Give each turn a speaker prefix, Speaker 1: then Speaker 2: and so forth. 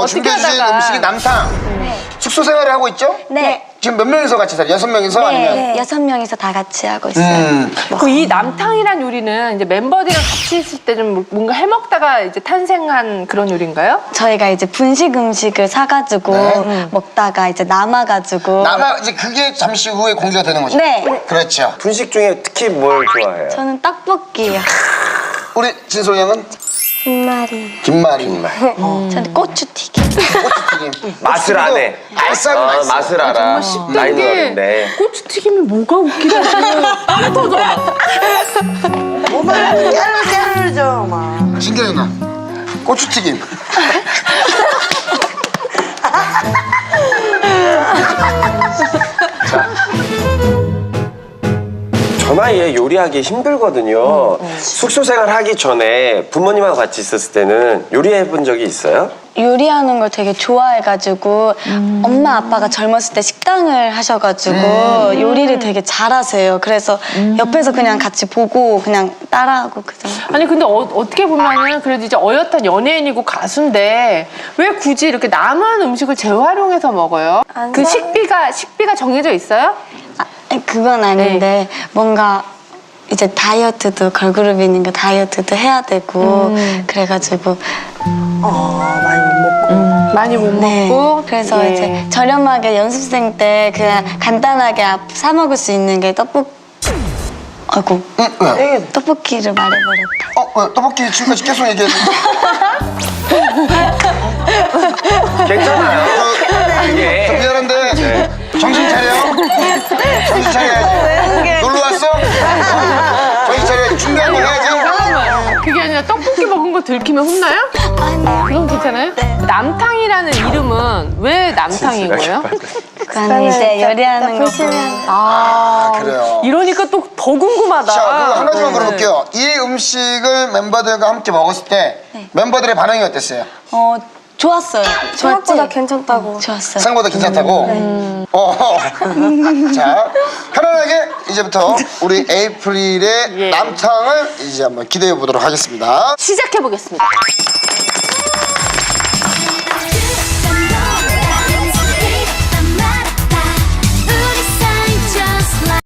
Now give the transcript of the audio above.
Speaker 1: 준비해 주신
Speaker 2: 하다가.
Speaker 1: 음식이 남탕. 숙소 생활을 하고 있죠?
Speaker 3: 네.
Speaker 1: 지금 몇 명이서 같이 살아요? 6명이서 아니면?
Speaker 3: 네. 6명이서 다 같이 하고 있어요.
Speaker 2: 그 이 남탕이란 요리는 이제 멤버들이랑 같이 있을 때 좀 뭔가 해먹다가 이제 탄생한 그런 요리인가요?
Speaker 3: 저희가 이제 분식 음식을 사가지고
Speaker 1: 네.
Speaker 3: 먹다가 이제 남아가지고.
Speaker 1: 이제 그게 잠시 후에 공개가 되는 거죠?
Speaker 3: 네.
Speaker 1: 그렇죠.
Speaker 4: 분식 중에 특히 뭘 좋아해요?
Speaker 3: 저는 떡볶이요.
Speaker 1: 우리 진솔 양은?
Speaker 3: 김말이.
Speaker 1: 김말이.
Speaker 3: 저는 고추튀김.
Speaker 1: 고추튀김.
Speaker 4: 맛을 안 해.
Speaker 1: 알싸고 맛있어.
Speaker 4: 맛을 알아. 나이는 어린데.
Speaker 2: 고추튀김이 뭐가 웃기다고 빵 터져.
Speaker 5: 오늘 깨르죠 막.
Speaker 1: 신기해 누나. 고추튀김.
Speaker 4: 저 나이에 요리하기 힘들거든요. 숙소 생활 하기 전에 부모님하고 같이 있었을 때는 요리해 본 적이 있어요?
Speaker 3: 요리하는 걸 되게 좋아해가지고 엄마 아빠가 젊었을 때 식당을 하셔가지고 요리를 되게 잘하세요. 그래서 옆에서 그냥 같이 보고 그냥 따라하고 그 정도.
Speaker 2: 아니 근데 어떻게 보면은 그래도 이제 어엿한 연예인이고 가수인데 왜 굳이 이렇게 남은 음식을 재활용해서 먹어요? 그 식비가 정해져 있어요?
Speaker 3: 아니, 그건 아닌데 뭔가 이제 다이어트도 걸그룹이 있는 게 다이어트도 해야 되고 그래가지고
Speaker 5: 많이 못 먹고.
Speaker 2: 많이 못
Speaker 3: 네.
Speaker 2: 먹고
Speaker 3: 그래서
Speaker 2: 예.
Speaker 3: 이제 저렴하게 연습생 때 그냥 간단하게 사 먹을 수 있는 게 아이고
Speaker 1: 왜?
Speaker 3: 떡볶이를 말해버렸다.
Speaker 1: 왜? 떡볶이 지금까지 계속 얘기했는데.
Speaker 4: 괜찮아요.
Speaker 1: 저
Speaker 4: 이게
Speaker 1: 미안한데 정신 차려. 정신 차려야지. 놀러 왔어? 정신 차려. 준비한 거 해야지.
Speaker 2: 그게 아니라 떡볶이 먹은 거 들키면 혼나요? 그건 괜찮아요? 남탕이라는 이름은 왜 남탕인 거예요?
Speaker 3: 그거는 이제 요리하는 거 보면
Speaker 1: 그래요.
Speaker 2: 이러니까 또 더 궁금하다.
Speaker 1: 자, 그럼 하나만 물어볼게요. 이 음식을 멤버들과 함께 먹었을 때 멤버들의 반응이 어땠어요?
Speaker 3: 좋았어요.
Speaker 6: 생각보다 괜찮다고.
Speaker 3: 좋았어요.
Speaker 1: 생각보다 괜찮다고? 자, 편안하게 이제부터 우리 에이프릴의
Speaker 2: 예.
Speaker 1: 남탕을 이제 한번 기대해 보도록 하겠습니다.
Speaker 2: 시작해 보겠습니다.